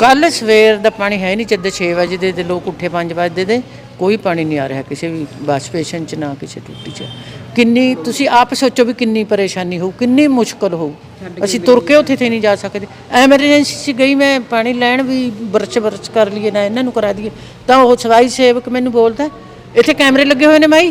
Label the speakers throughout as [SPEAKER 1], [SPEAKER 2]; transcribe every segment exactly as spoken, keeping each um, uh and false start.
[SPEAKER 1] कल सवेर का पानी है नहीं, जद छे बजे दे लोग उठे पाँच बजे दे कोई पानी नहीं आ रहा किसी भी वाश बेसन च ना किसी टूटी च। किन्नी तुसी आप सोचो भी किन्नी परेशानी हो, किन्नी मुश्किल हो। असी तुर के उत्थे थे नहीं जा सकते। एमरजेंसी गई मैं पानी लैन भी बरच बरच कर लिए ना इन्हों करा दिए तो वह सफाई सेवक मैनू बोलता इत्थे कैमरे लगे हुए ने माई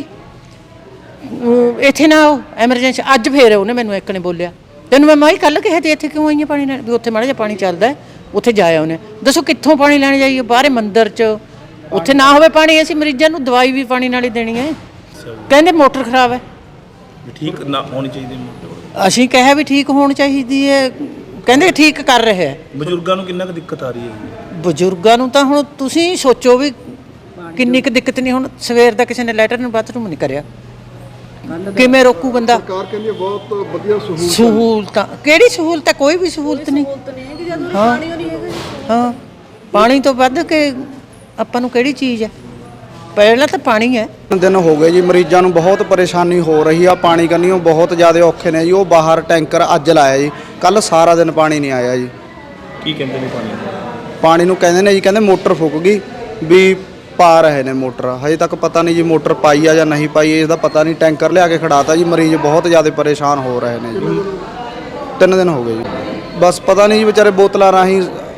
[SPEAKER 1] इत्थे ना आओ एमरजेंसी। अज फिर उन्हें मैनू एक ने बोलिया तेन मैं माई कल कहा इत्थे क्यों आई है पानी लैन भी उत्थे माड़ा जिहा पानी चलदा है उत्थे जाया उन्हें दसो कित्थों पानी लैन जाइए बाहर मंदिर च उत्थे ना होवे पानी असीं मरीजां नूं दवाई भी पानी नाल ही देनी है। कहंदे मोटर खराब है
[SPEAKER 2] ठीक ना होनी चाहिए मोटर
[SPEAKER 1] असीं कहा भी ठीक होनी चाहिए है कहंदे ठीक कर रहे हैं।
[SPEAKER 2] बजुर्गों को किन्ना दिक्कत आ रही है
[SPEAKER 1] बजुर्गों को तो हुण तुसीं सोचो भी किन्नी क दिक्कत नहीं। हुण सवेर दा किसी ने लैटरन बाथरूम नहीं करिया किवें रोकू बंदा।
[SPEAKER 3] सरकार कहंदी है बहुत वधिया सहूलत
[SPEAKER 1] सहूलतां किहड़ी सहूलत है कोई भी सहूलत नहीं। हाँ हाँ पानी तो वध के आपां नूं किहड़ी चीज़ है पहला तो पानी है।
[SPEAKER 4] दिन हो गए जी मरीजों को बहुत परेशानी हो रही है पानी करनी बहुत ज़्यादा औखे ने जी। वो बाहर टैंकर अज लाया जी कल सारा दिन पानी नहीं आया जी।
[SPEAKER 2] की कहते हैं पानी
[SPEAKER 4] पानी नूं कहंदे ने जी कहंदे मोटर फुक गई भी पा रहे ने मोटर हजे तक पता नहीं जी मोटर पाई है या नहीं पाई है इसका पता नहीं। टैंकर लिया के खड़ाता जी मरीज बहुत ज़्यादा परेशान हो रहे हैं जी। तीन दिन हो गए जी बस पता नहीं जी बेचारे बोतलों राही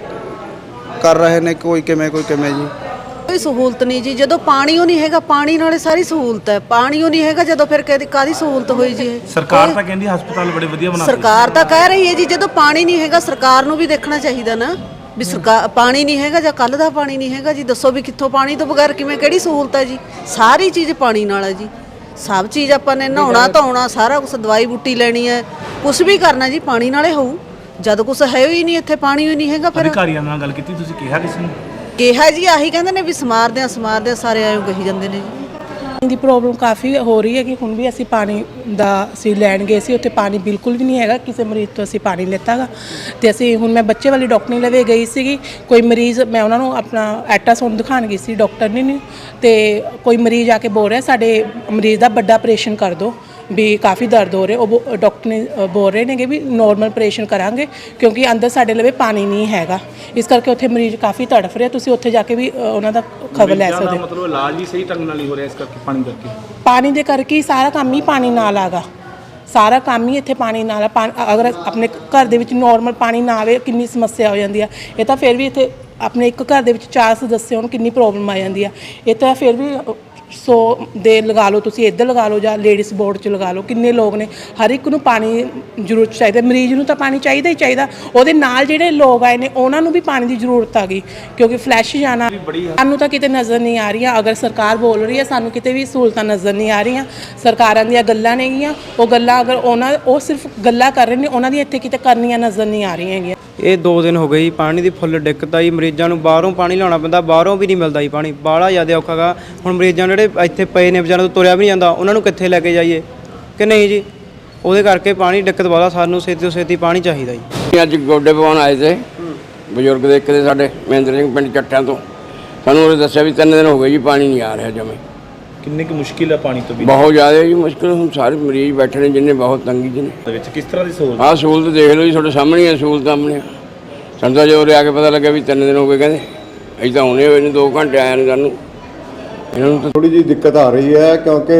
[SPEAKER 4] कर रहे हैं कोई किमें कोई किमें जी।
[SPEAKER 5] कोई सहूलत नहीं जी जो पानी नहीं है पानी नाले सारी सहूलत है पानी नहीं है जो फिर कादी सहूलत हुई जी।
[SPEAKER 2] सरकार तो कहती हस्पताल बड़े वधिया बना
[SPEAKER 5] सरकार तो कह रही है जी जो पानी नहीं है सरकार नूं भी देखना चाहिए ना भी सरकार पानी नहीं है जां कल दा पानी नहीं है जी दसो भी कित्थों पानी तो बगैर किवें किहड़ी सहूलत है जी। सारी चीज़ पानी नाल है जी सब चीज़ आपां ने नहाउणा धोना सारा कुछ दवाई बूटी लैनी है कुछ भी करना जी पानी नाले होऊ जद कुछ है ही नहीं इत्थे पानी ही नहीं है। फिर
[SPEAKER 2] अधिकारियों नाल गल कीती तुसीं किहा किसी नूं
[SPEAKER 5] ਕਿਹਾ ਜੀ ਆਹੀ ਕਹਿੰਦੇ ਨੇ ਵੀ ਸਮਾਰਦੇ ਆ ਸਮਾਰਦੇ ਆ ਸਾਰੇ ਆਇਓ ਕਹੀ ਜਾਂਦੇ ਨੇ ਜੀ।
[SPEAKER 6] ਦੀ ਪ੍ਰੋਬਲਮ ਕਾਫੀ ਹੋ ਰਹੀ ਹੈ ਕਿ ਹੁਣ ਵੀ ਅਸੀਂ ਪਾਣੀ ਦਾ ਅਸੀਂ ਲੈਣ ਗਏ ਸੀ ਉੱਥੇ ਪਾਣੀ ਬਿਲਕੁਲ ਵੀ ਨਹੀਂ ਹੈਗਾ ਕਿਸੇ ਮਰੀਜ਼ ਤੋਂ ਅਸੀਂ ਪਾਣੀ ਲਿੱਤਾਗਾ ਤੇ ਅਸੀਂ ਹੁਣ ਮੈਂ ਬੱਚੇ ਵਾਲੀ ਡਾਕਟਰ ਲਵੇ ਗਈ ਸੀਗੀ ਕੋਈ ਮਰੀਜ਼ ਮੈਂ ਉਹਨਾਂ ਨੂੰ ਆਪਣਾ ਅਲਟਰਾਸਾਊਂਡ ਦਿਖਾਉਣ ਗਈ ਸੀ ਡਾਕਟਰ ਨੇ ਨਹੀਂ ਤੇ ਕੋਈ ਮਰੀਜ਼ ਆ ਕੇ ਬੋਲ ਰਿਹਾ ਸਾਡੇ ਮਰੀਜ਼ ਦਾ ਵੱਡਾ ਆਪਰੇਸ਼ਨ ਕਰ ਦਿਓ भी काफ़ी दर्द हो रहे वो डॉक्टर ने बोल रहे हैं कि भी नॉर्मल ऑपरेशन करांगे क्योंकि अंदर साढ़े लवे पानी नहीं हैगा इस करके उत्थे मरीज काफ़ी तड़फ रहे तुसीं उत्थे जाके भी उन्हां दा खबर लै सकदे हो।
[SPEAKER 2] मतलब इलाज भी सही ढंग नाल ही हो रहा है इस करके पानी करके
[SPEAKER 6] पानी दे करके सारा काम ही पानी नाल आगा सारा काम ही इत्थे पानी नाल अगर अपने घर दे विच नॉर्मल पानी ना आवे किन्नी समस्या हो जाती है। ये तो फिर भी इत्थे अपने एक घर दे विच चार सदस्य होण किन्नी प्रॉब्लम आ जाती है। ये तो फिर भी सौ दे लगा लो तुसी इधर लगा लो या लेडीज़ बोर्ड च लगा लो किन्ने लोग ने हर एक नूं पानी जरूरत चाहिए मरीज़ नूं तो पानी चाहिए ही चाहिए उहदे नाल जिहड़े लोग आए ने उन्हां नूं भी पानी की जरूरत आ गई क्योंकि फ्लैश जाना सानूं तो किते नज़र नहीं आ रही। अगर सरकार बोल रही है सानूं किते भी सहूलतां नज़र नहीं आ रही सरकारां दीयां गल्लां नेगियां वो गल्लां अगर उन्हां वो सिर्फ गल्लां कर रहे ने उन्हां दी इत्थे किते करनियां नज़र नहीं आ रही हैगियां।
[SPEAKER 7] ਇਹ ਦੋ ਦਿਨ ਹੋ ਗਏ ਜੀ ਪਾਣੀ ਦੀ ਫੁੱਲ ਦਿੱਕਤ ਆਈ ਮਰੀਜ਼ਾਂ ਨੂੰ ਬਾਹਰੋਂ ਪਾਣੀ ਲਿਆਉਣਾ ਪੈਂਦਾ ਬਾਹਰੋਂ ਵੀ ਨਹੀਂ ਮਿਲਦਾ ਜੀ ਪਾਣੀ ਬਾਹਲਾ ਜ਼ਿਆਦਾ ਔਖਾ ਗਾ। ਹੁਣ ਮਰੀਜ਼ਾਂ ਜਿਹੜੇ ਇੱਥੇ ਪਏ ਨੇ ਵਿਚਾਰਿਆਂ ਤੋਂ ਤੁਰਿਆ ਵੀ ਨਹੀਂ ਜਾਂਦਾ ਉਹਨਾਂ ਨੂੰ ਕਿੱਥੇ ਲੈ ਕੇ ਜਾਈਏ ਕਿ ਨਹੀਂ ਜੀ ਉਹਦੇ ਕਰਕੇ ਪਾਣੀ ਦਿੱਕਤ ਵਾਲਾ ਸਾਨੂੰ ਛੇਤੀ ਤੋਂ ਛੇਤੀ ਪਾਣੀ ਚਾਹੀਦਾ ਜੀ।
[SPEAKER 8] ਅੱਜ ਗੋਡੇ ਪਵਾਉਣ ਆਏ ਤੇ ਬਜ਼ੁਰਗ ਦੇ ਇੱਕ ਦੇ ਸਾਡੇ ਮਹਿੰਦਰ ਸਿੰਘ ਪਿੰਡ ਚੱਟਾਂ ਤੋਂ ਸਾਨੂੰ ਉਹਨੇ ਦੱਸਿਆ ਵੀ ਤਿੰਨ ਦਿਨ ਹੋ ਗਏ ਜੀ ਪਾਣੀ ਨਹੀਂ ਆ ਰਿਹਾ ਜਮੇ
[SPEAKER 2] ਕਿੰਨੀ ਕੁ ਮੁਸ਼ਕਿਲ ਹੈ ਪਾਣੀ ਤੋਂ ਵੀ
[SPEAKER 8] ਬਹੁਤ ਜ਼ਿਆਦਾ ਜੀ ਮੁਸ਼ਕਿਲ ਹੁਣ ਸਾਰੇ ਮਰੀਜ਼ ਬੈਠੇ ਨੇ ਜਿੰਨੇ ਬਹੁਤ ਤੰਗੀ ਜੀ ਨੇ
[SPEAKER 2] ਵਿੱਚ ਕਿਸ ਤਰ੍ਹਾਂ ਦੀ ਸਹੂਲਤ
[SPEAKER 8] ਆਹ ਸਹੂਲਤ ਦੇਖ ਲਓ ਜੀ ਤੁਹਾਡੇ ਸਾਹਮਣੇ ਹੈ ਸਹੂਲਤ ਆਪਣੇ ਸਾਨੂੰ ਤਾਂ ਜੋ ਆ ਕੇ ਪਤਾ ਲੱਗਿਆ ਵੀ ਤਿੰਨ ਦਿਨ ਹੋ ਗਏ ਕਹਿੰਦੇ ਅਸੀਂ ਤਾਂ ਹੁਣੇ ਹੋਏ ਨੇ ਦੋ ਘੰਟੇ ਆਇਆ ਨੇ ਸਾਨੂੰ ਇਹਨਾਂ ਨੂੰ
[SPEAKER 3] ਥੋੜੀ ਜਿਹੀ ਦਿੱਕਤ ਆ ਰਹੀ ਹੈ ਕਿਉਂਕਿ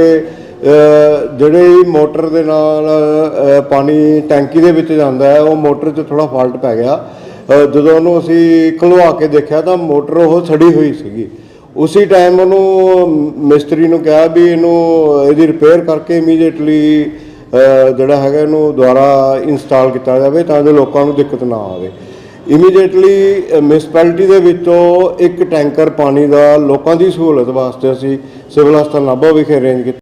[SPEAKER 3] ਜਿਹੜੇ ਮੋਟਰ ਦੇ ਨਾਲ ਪਾਣੀ ਟੈਂਕੀ ਦੇ ਵਿੱਚ ਜਾਂਦਾ ਹੈ ਉਹ ਮੋਟਰ 'ਚ ਥੋੜਾ ਫਾਲਟ ਪੈ ਗਿਆ ਜਦੋਂ ਉਹਨੂੰ ਅਸੀਂ ਖੁਲਵਾ ਕੇ ਦੇਖਿਆ ਤਾਂ ਮੋਟਰ ਉਹ ਸੜੀ ਹੋਈ ਸੀਗੀ ਉਸੇ ਟਾਈਮ ਉਹਨੂੰ ਮਿਸਤਰੀ ਨੂੰ ਕਿਹਾ ਵੀ ਇਹਨੂੰ ਇਹਦੀ ਰਿਪੇਅਰ ਕਰਕੇ ਇਮੀਡੀਏਟਲੀ ਜਿਹੜਾ ਹੈਗਾ ਇਹਨੂੰ ਦੁਬਾਰਾ ਇੰਸਟਾਲ ਕੀਤਾ ਜਾਵੇ ਤਾਂ ਜੋ ਲੋਕਾਂ ਨੂੰ ਦਿੱਕਤ ਨਾ ਆਵੇ। ਇਮੀਡੀਏਟਲੀ ਮਿਊਨਿਸਪੈਲਿਟੀ ਦੇ ਵਿੱਚੋਂ ਇੱਕ ਟੈਂਕਰ ਪਾਣੀ ਦਾ ਲੋਕਾਂ ਦੀ ਸਹੂਲਤ ਵਾਸਤੇ ਅਸੀਂ ਸਿਵਲ ਹਸਪਤਾਲ ਨਾਭਾ ਵਿਖੇ ਅਰੇਂਜ ਕੀਤਾ।